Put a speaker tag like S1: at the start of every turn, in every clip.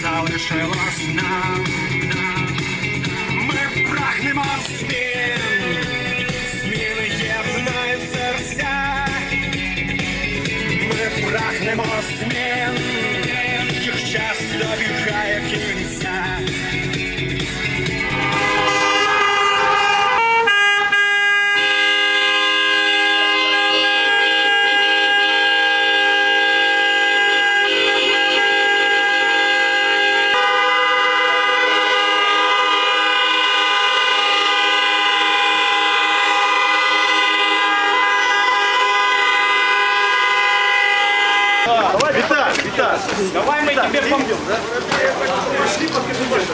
S1: залишилось нам. Ми прагнемо змін, зміни єднають серця. Ми прагнемо змін, їх час добігає кінця.
S2: Давай, Виталь.
S3: Давай мы тебе поможем.
S2: Пошли, покажи.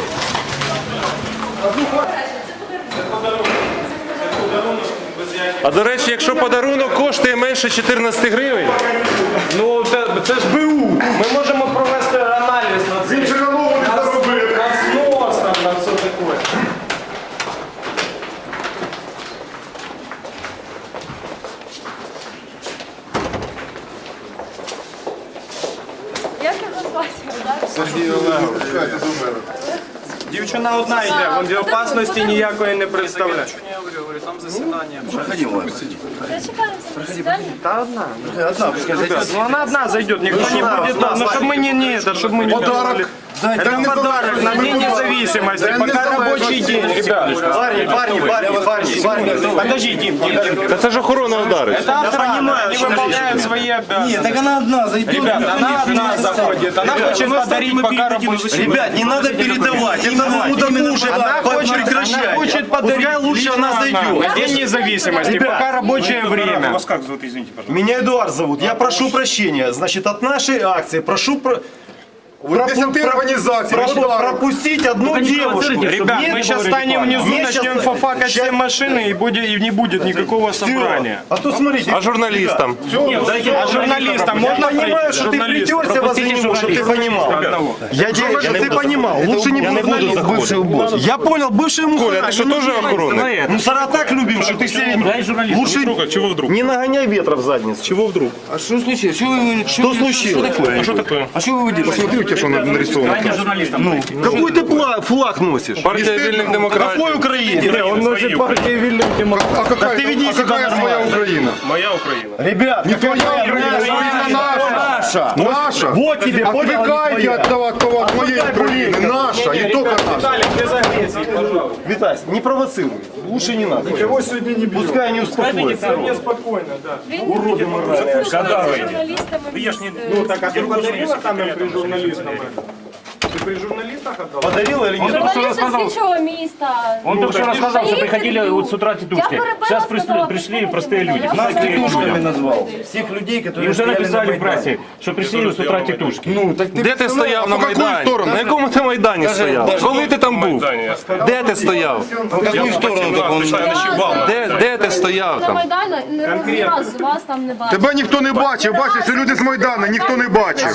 S4: А до речі, якщо подарунок коштує менше 14 гривень,
S3: Ну, це ж БУ. Ми можемо провести аналіз на це.
S2: Він же голову не заробив.
S3: На знос, на все таке.
S5: Як його звати?
S2: Сергій Олегович, чекайте до мене.
S3: Дівчина одна йде, вон опасності ніякої не представляє.
S5: Зачекаємося.
S3: Та одна.
S2: Одна, пускай зайдет.
S3: Ну она одна зайдет, никто не будет, ну чтобы мы не чтобы мы не
S2: Подарок.
S3: делали. Это подарок на День независимости, пока рабочий день, ребят.
S2: Парни.
S3: Подожди, Дим.
S4: та це ж охорона ударить.
S3: Это охрана, они выполняют свои обязанности.
S6: Нет, так она одна зайдет.
S3: Ребят, она одна заходит, она хочет подарить пока рабочий день.
S6: Ребят, не надо передавать. Это уже
S3: Она
S6: прекращать.
S3: хочет подарить,
S6: Пускай лучше она
S3: на
S6: зайдет.
S3: День независимости, пока рабочее время.
S7: Вас как зовут, извините, пожалуйста?
S6: Меня Эдуард зовут. Я прошу прощения. Значит, от нашей акции прошу
S2: Десяти організацій. Подарок.
S6: пропустить одну девушку.
S3: Ребят, мы сейчас станем внизу, начнем фафакать все машины и не будет никакого собрания.
S6: А то смотрите.
S4: А журналістам?
S3: А журналистам можно
S6: Я понимаю, что ты плетешься возле него, чтобы ты понимал. Я делаю, чтобы ты понимал. Лучше не буду бывший босс. Я понял, бывший мусор.
S4: Коля, ти що теж охоронник?
S6: Мусора так любим, что ты себе лучше
S7: Чего вдруг?
S6: не нагоняй ветра в задницу.
S7: Чего вдруг?
S6: А что случилось? Что случилось?
S7: А что такое?
S6: А что вы выделили?
S2: Смотрите, что нарисовано.
S6: Какой ты флаг носишь?
S4: Партія вільних демократів.
S6: Какой Украине?
S3: Он носит партию вильных демократов.
S2: А какая,
S6: ты веди себя
S2: какая своя
S6: нормально.
S2: Украина?
S7: Моя Украина.
S6: Ребят,
S2: Не твоя Украина, наша. Наша.
S6: Вот тебе, понял,
S2: Отвлекайте
S6: не
S2: от того, от моей Украины. Наша, и только наша.
S3: Виталик, ты загрейся, пожалуйста.
S6: Витась, не провоцируй. Лучше не надо.
S3: Никого сегодня не бьют.
S6: Пускай они успокоятся.
S3: Мне спокойно, да.
S6: Уроды моральные.
S5: Журналістами.
S3: Ну так, а ты подарила там при журналистам? Ты при журналистах отдала?
S6: Подарила или нет?
S5: Журналісти слідчого міста.
S8: Он только что рассказал, что приходили вот с утра
S5: Я
S8: тетушки.
S5: перебила,
S8: Сейчас
S5: сказала,
S8: пришли
S5: приходите
S8: простые
S5: мене.
S8: люди.
S5: Я
S6: Нас
S5: сказала,
S6: тетушками назвал. Всех людей, которые
S8: И уже
S6: стояли
S8: написали
S6: на
S8: в прессе,
S6: Майдане.
S8: что пришли с утра тетушки.
S6: Ну, так ты
S4: Де ти стояв на
S2: по какую
S4: Майдані?
S2: сторону?
S4: На якому ти Майдані стояв? Коли ти там був? Де ти стояв?
S6: в какую сторону так он?
S4: Де ти стояв
S5: На
S4: там?
S5: Майдані не раз вас там не бачив.
S2: Тебе ніхто не бачив, бачиш, що люди з Майдану, ніхто не бачив.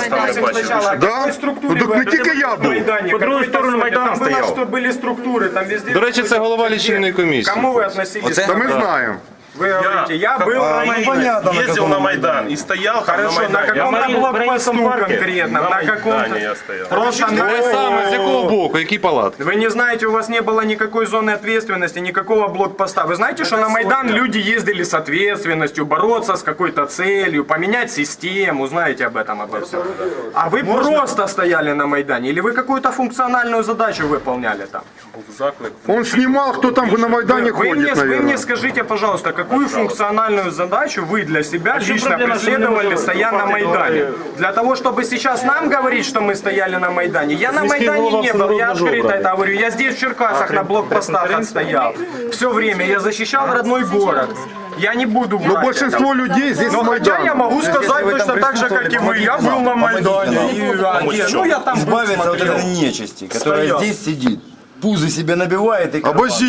S2: Да? Ну, так не тільки я був.
S3: По
S8: другую сторону Майдана
S3: Там было,
S8: стоял.
S3: что были структуры, там везде...
S4: До речі, це голова лічильної комісії.
S3: Кому вы относились?
S2: Та ми знаємо.
S3: Вы говорите, я был на Майдане.
S6: Понятно, на
S7: Ездил
S6: каком
S7: на Майдан и стоял там
S3: Хорошо, на
S7: на Майдане.
S3: каком-то
S8: в
S3: блокпосту
S8: Украинском парке.
S3: конкретно, на каком-то...
S7: Майдане я стоял.
S3: Просто
S4: Ви саме з якого боку, які палатки?
S3: Вы не знаете, у вас не было никакой зоны ответственности, никакого блокпоста. Вы знаете, что на Майдан люди ездили с ответственностью, бороться с какой-то целью, поменять систему, знаете об этом, обо всем. А вы просто стояли на Майдане, или вы какую-то функциональную задачу выполняли там?
S2: Он снимал, кто там на Майдане
S3: Вы
S2: ходит,
S3: мне
S2: наверное.
S3: скажите, пожалуйста, какую функциональную задачу вы для себя лично преследовали, стоя на Майдане? Для того, чтобы сейчас нам говорить, что мы стояли на Майдане. Я на Майдане не был, я открыто это говорю. Я здесь в Черкасах на блокпостах отстоял. Все время я защищал родной город. Я не буду
S2: Но
S3: врать
S2: большинство
S3: этого.
S2: людей здесь
S3: Но
S2: с
S3: хотя я
S2: Майдана.
S3: могу сказать точно так же, как и вы. Я был на Майдане. Ну я там был,
S6: Избавиться от
S3: смотрел.
S6: этой нечисти, которая
S3: Стоял.
S6: здесь сидит. Пузы себе набивает и...
S2: Обожди.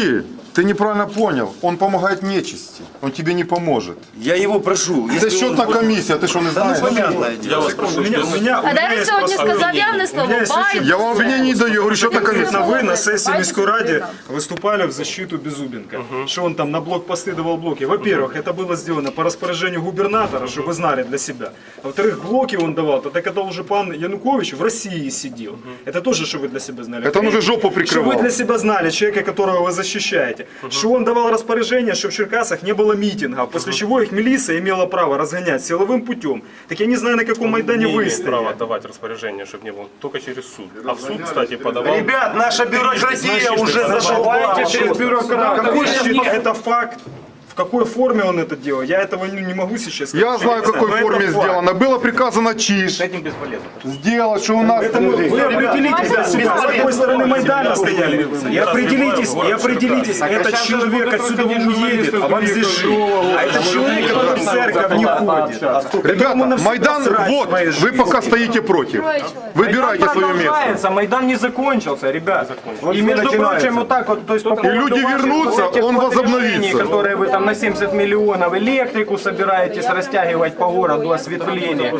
S2: Ты неправильно понял. Он помогает нечисти. Он тебе не поможет.
S6: Я его прошу.
S2: Это счетная комиссия, ты что, не знаешь?
S7: Я вас прошу,
S5: А де ви сьогодні сказав явне слово? Байдуже.
S2: Я вам обвинение не даю, я говорю, счетная комиссия.
S9: Вы на сессии Міської ради выступали в защиту Беззубенко, что он там на блокпосты давал блоки. Во-первых, это было сделано по распоряжению губернатора, чтобы вы знали для себя. А во-вторых, блоки он давал, тогда когда уже пан Янукович в России сидел. Это тоже, что вы для себя знали.
S2: Это он уже жопу
S9: Чтобы
S2: прикрывал.
S9: вы для себя знали, человека, которого вы защищаете, что он давал распоряжение, что в Черкасах не было митингов, после чего их милиция имела право разгонять силовым путем. Так я не знаю, на каком Майдане
S7: не
S9: вы
S7: имеет права
S9: стояли.
S7: давать распоряжение, чтобы не было, только через суд. А в суд, кстати, подавал...
S6: Ребят, наша бюрократия уже зашла.
S9: Через бюрократа. Какой это факт? В какой форме он это делал? Я этого не могу сейчас сказать.
S2: Я знаю, в какой
S9: Но это
S2: форме
S9: факт.
S2: сделано. Было приказано ЧИШ сделать, что у нас...
S9: Вы определитесь для себя, с какой стороны Майдана стояли. И определитесь, этот человек отсюда не уедет, а вам здесь жить. А этот человек, который в церковь не ходит.
S2: Ребята, Майдан, вот, вы пока стоите против. Выбирайте свое место.
S3: Продолжается, Майдан не закончился, ребят. И между прочим, вот так вот, то есть по поводу
S2: люди
S3: ваших
S2: вернутся,
S3: вот этих
S2: он
S3: вот
S2: возобновится.
S3: решений, которые вы там на 70 миллионов, электрику собираетесь растягивать по городу, осветление.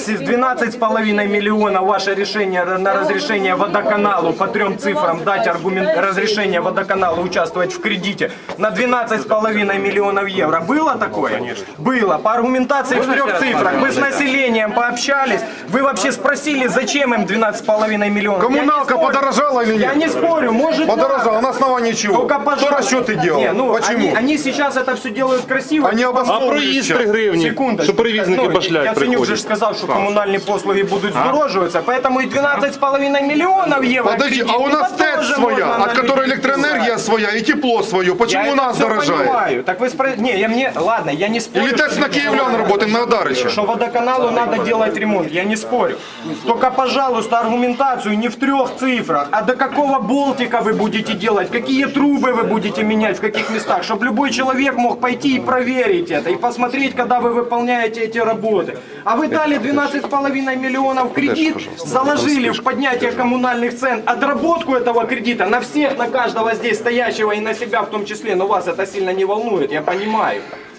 S3: 12,5 миллионов ваше решение на разрешение водоканалу по 3 цифрам дать разрешение водоканалу участвовать в кредите на 12,5 миллионов евро. Было такое? Было. По аргументации в 3 цифрах. Мы с населением пообщались. Вы вообще спросили, зачем им 12,5 миллионов?
S2: Коммуналка подорожала или
S3: Я
S2: нет?
S3: не спорю, может
S2: Подорожала. На основании чего?
S3: Только,
S2: Кто
S3: пожалуйста.
S2: расчеты делал?
S3: Не, ну,
S2: Почему?
S3: Они сейчас это все делают красиво.
S2: Они
S4: А
S2: обосновывают
S4: проїзд 3
S2: сейчас.
S4: гривні,
S3: Секундочку.
S4: що перевізники
S3: Ну,
S4: башлять
S3: Яценюк же
S4: приходять.
S3: сказал, что коммунальные послуги будут здороживаться, поэтому и 12,5 миллионов евро
S2: Подожди,
S3: кредит,
S2: а у нас
S3: это
S2: ТЭЦ
S3: тоже
S2: своя,
S3: можно
S2: от
S3: на
S2: которой
S3: людей
S2: электроэнергия
S3: писать.
S2: своя и тепло свое. Почему
S3: Я
S2: у нас
S3: это всё
S2: дорожает?
S3: понимаю. Так вы не, ладно, я не спорю.
S2: Или ТЭЦ на Киевлян работает, на Дарыча?
S3: Что водоканалу надо делать ремонт, я не спорю. Только, пожалуйста, аргументацию не в 3 цифрах, а до какого болтика вы будете делать, какие трубы вы будете менять, в каких местах, чтобы любой человек мог пойти и проверить это, и посмотреть, когда вы выполняете эти работы. А вы дали 12,5 миллионов кредит, заложили в поднятие коммунальных цен, отработку этого кредита на всех, на каждого здесь стоящего и на себя в том числе, но вас это сильно не волнует, я понимаю.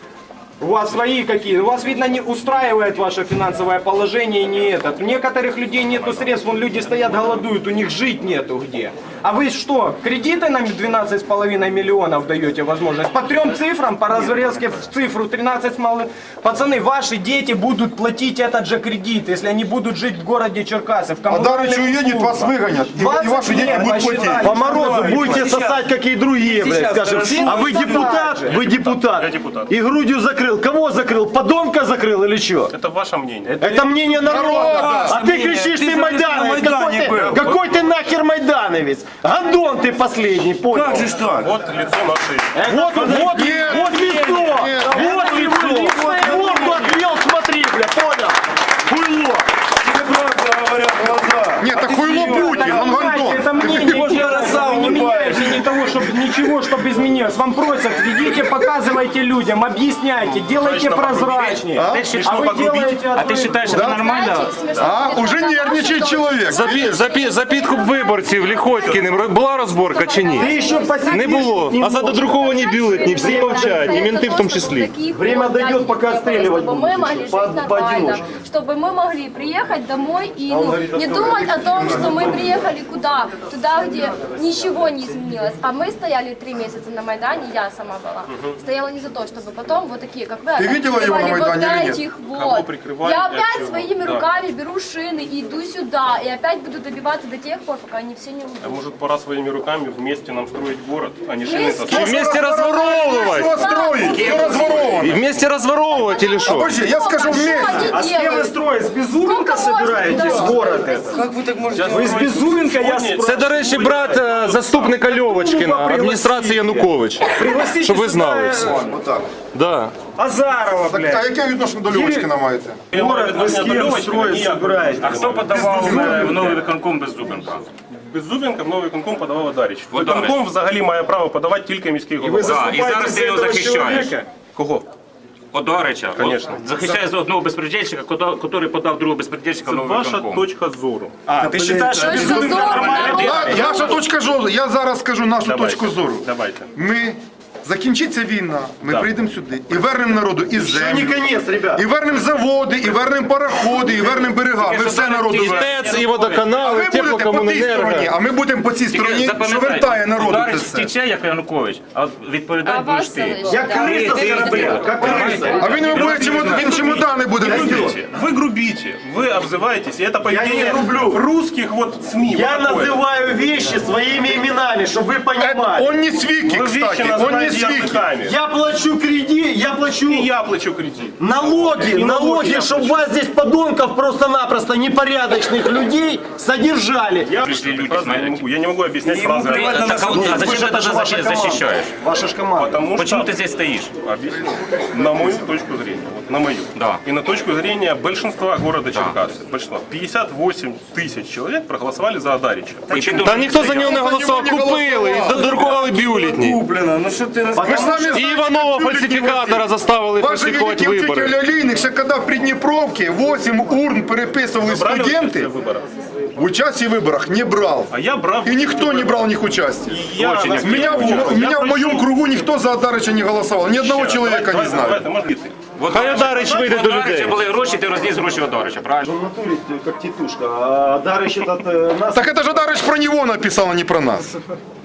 S3: У вас свои какие? У вас, видно, не устраивает ваше финансовое положение и не этот. У некоторых людей нету средств, вон люди стоят, голодуют, у них жить нету где. А вы что, кредиты нам 12,5 миллионов даете возможность? По 3 цифрам, по разрезке в цифру 13 малых. Пацаны, ваши дети будут платить этот же кредит, если они будут жить в городе Черкасы. В
S2: А Дарыч
S3: коммунальных
S2: уедет, вас
S3: услугах.
S2: выгонят. И
S3: 20
S2: ваши дети
S3: лет
S2: будут платить.
S3: посчитали.
S6: По морозу будете сосать, как и другие, блядь,
S3: Сейчас,
S6: скажем.
S3: хорошо.
S6: А вы депутат? Вы депутат.
S7: Я депутат.
S6: И грудью закрыл. Кого закрыл? Подонка закрыл или что?
S7: Это ваше мнение.
S6: Это мнение народа. А ты кричишь, ты майдановец. Какой ты нахер майдановец? Гондон ты последний, понял? Как же так?
S7: Вот лицо нашей...
S6: Вот лицо. Вот лицо. Морду отвел, смотри, бля, понял? Хуйло.
S2: Нет, так хуйло Путин, он гондон.
S3: Это мнение не меняете того, чтобы ничего, чтобы изменилось. Вам просят, идите, показывайте людям, объясняйте, делайте прозрачнее. А вы делаете...
S8: А ты считаешь, это нормально?
S2: А, уже нервничает человек.
S4: За підкуп виборців Ліхотькіним була розборка чи ні? Не було. А за додруковані бюлетні всі мовчать, і менти в тому числі.
S6: Время дойдет, пока отстреливать
S5: чтобы мы могли жить нормально,
S6: поодиночке.
S5: чтобы мы могли приехать домой и не думать о том, что мы приехали куда? Туда, где ничего не изменилось. А мы стояли 3 месяца на Майдане, я сама была. Стояла не за то, чтобы потом вот такие, как вы,
S2: Ты видела его на
S5: прикрывали
S2: Майдане или
S5: вот
S2: нет?
S5: этих
S7: Кого
S5: вот.
S7: прикрывали,
S5: Я
S7: для
S5: опять
S7: чего?
S5: своими
S7: Да.
S5: руками беру шины и иду сюда. И опять буду добиваться до тех пор, пока они все не
S7: А
S5: уйдут.
S7: может, пора своими руками вместе нам строить город, а не шины
S5: Вместе?
S7: таскать?
S4: І вместе розворовувати.
S2: Что строить? Все разворовано.
S4: І вместе розворовувати или що?
S2: Подожди, я скажу вместе.
S9: А с кем вы строить? С Беззубенко собираетесь город этот?
S7: Как вы так можете?
S9: Вы с Беззубенко, я
S4: Це, до речі, брат заступника Льовочкіна, адміністрації Янукович.
S9: Пригласите
S4: Щоб ви
S9: сюда
S4: знали всі.
S9: его.
S4: Да.
S9: Азарова,
S2: А
S9: блядь.
S2: яке відношення до Льовочкина маєте?
S9: Город вы с кем строить собираетесь?
S8: А хто подавав в новий виконком Беззубенка?
S7: Беззубенко в новий виконком подавав Дарич. Виконком взагалі має право подавати тільки міський
S9: Вы
S7: голова.
S9: заступаете
S8: зараз
S9: за
S8: ти його
S9: этого
S8: захищаєш.
S9: человека?
S7: Кого?
S8: Одарича.
S7: Конечно.
S8: Захищає за одного безпредельщика, який подав другого безпредельщика в новий
S7: Ваша
S8: виконком.
S7: точка зору.
S3: Ты считаешь, что
S5: Точка зору народу.
S2: Наша точка зору, я зараз скажу нашу точку зору.
S7: Давайте.
S2: Ми, закінчиться війна, ми прийдемо сюди і вернемо народу і
S6: Не
S2: землю,
S6: конец, ребят.
S2: і вернемо заводи, і вернемо пароходи, і вернемо берега. Ми все народу вернемо.
S4: ТЕЦ і
S2: А
S4: водоканали,
S2: ви будете по тій
S4: теплокомуненерго.
S2: стороні, а ми будемо по цій стороні, що вертає народу це
S8: Ударич
S2: все.
S8: втече, як Янукович, а відповідати
S5: А
S8: будеш
S5: вас
S8: ти.
S5: залишить.
S6: Я крыса с корабля, как крыса.
S2: А він буде він чемодани буде носити.
S7: Вы грубите, вы обзываетесь, и это поведение
S6: грублю.
S7: русских вот СМИ.
S6: Я
S7: вот такое.
S6: называю вещи своими именами, чтобы вы понимали.
S2: Он не свіки,
S7: Вы вещи
S2: кстати, он не
S7: называете
S2: свіки.
S7: языками.
S6: Я плачу кредит, я плачу
S7: И я плачу кредит.
S6: налоги,
S7: И налоги я
S6: чтобы
S7: плачу.
S6: вас здесь подонков просто-напросто непорядочных людей содержали.
S7: Я,
S8: Пришли люди,
S7: фразы
S8: смотрите.
S7: не могу, я не могу объяснять фразы.
S8: А зачем ты тогда защищаешь?
S6: Ваша ж команда.
S7: Потому
S8: Почему
S7: что,
S8: ты здесь стоишь?
S7: объясню, на мою точку зрения, вот на мою,
S8: Да.
S7: и на точку зрения большинства города Черкассы, большинства, 58 тысяч человек проголосовали за Адарича.
S4: Та ніхто за нього не голосував, купили і додрукували бюлетні.
S3: Куплено, ну что ты...
S2: Ви ж самі
S4: І Іванова фальсифікатора заставили
S2: Ваші
S4: фальсифікувати
S2: великі
S4: вибори.
S2: вчителі олійник, ще коли в Придніпровці 8 урн переписували
S7: Брали участие
S2: студенти,
S7: в выборах?
S2: в участі в виборах не брав.
S7: А я брал.
S2: И никто не брал в них участие.
S7: Я
S8: Очень
S7: на-
S2: У меня в моем кругу никто за Адарича не голосовал. Ни одного человека не знаю.
S7: Давайте, может, и ты.
S4: Хай Одарич вийде до людей.
S8: були гроші, ти розніс гроші Одарича, правильно?
S6: В натуре как тетушка, а Дарыч этот нас...
S2: Так это же Адарич про него написал, а не про нас.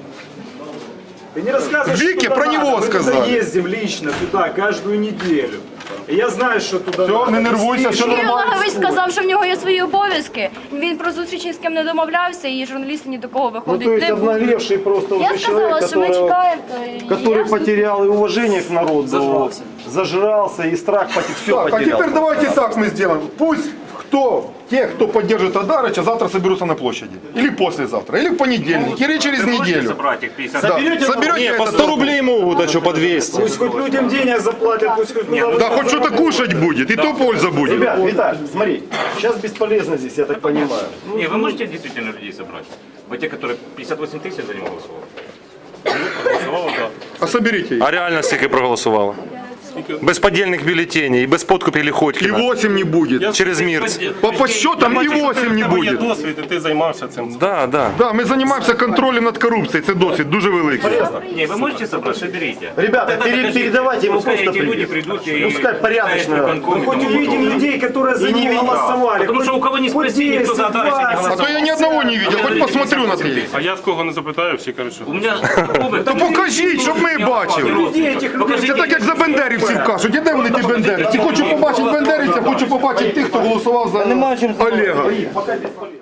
S9: Ты не рассказывай,
S2: Вики
S9: что
S2: про
S9: туда
S2: него
S9: надо. Мы
S2: сказали.
S9: туда ездим лично туда каждую неделю. И я знаю, что туда
S2: Все,
S9: надо.
S2: не нервуйся, все
S5: Юрій
S2: нормально.
S5: Олегович сказав, що в нього є свої обов'язки. Він про зустрічі ні з ким не домовлявся, і журналісти ні до кого
S6: Ну,
S5: виходить
S6: то есть
S5: не будуть.
S6: обнаглевший просто
S5: Я
S6: уже человек,
S5: сказала, що ми чекаємо. то
S6: который
S5: я-
S6: потерял и уважение к народу, зажрался и страх, все
S2: Так, а
S6: потерял.
S2: теперь давайте так мы сделаем. Пусть те, кто поддержит Адарича, завтра соберутся на площади. Или послезавтра, или в понедельник, или через неделю.
S8: Собрати їх 50
S2: Да,
S6: Соберете
S2: соберете
S4: Ні, по
S2: это
S4: 100
S2: толпу.
S4: рублей можуть, а що по 200.
S9: Пусть хоть людям денег заплатят, пусть хоть куда
S2: Да хоть что-то кушать будет, и то польза будет.
S6: Ребят, Виталь, смотри, сейчас бесполезно здесь, я так понимаю.
S8: Не, вы можете действительно людей собрать? Вот те, которые 58 тысяч за него голосовали?
S2: А соберите их.
S4: А реально стільки проголосувало. Без поддельных бюллетеней і без подкупів
S2: И
S4: Лихотькіна.
S2: 8 не будет.
S4: Через МИРЦ.
S2: По подсчетам и 8 не
S7: Є
S2: будет.
S7: досвід, і ти займався цим.
S4: Да, да.
S2: Да, ми займаємося контролем над корупцією, це досвід дуже великий.
S8: Не, вы можете собрать, соберите.
S6: Ребята, передавайте ему
S8: Пускай
S6: просто
S8: эти люди
S6: привет.
S8: придут и...
S6: Пускай порядочно.
S8: Виконком,
S9: Хоть увидим людей, которые за
S6: не
S9: него
S6: видно.
S9: голосовали.
S8: Потому что у кого не спроси, никто за Адарича не
S2: А
S8: голосовал.
S2: то я ни одного не видел, хоть посмотрю на те.
S7: А я в кого не запитаю, всі кажуть, що...
S8: У меня...
S2: То покажіть, щоб ми бачили. Це так, як за бендерівців кажуть. І де вони ті бендерівці? Хочу побачити бендерівця, хочу побачити тих, хто голосував за Олега.
S6: Пока бесполезно.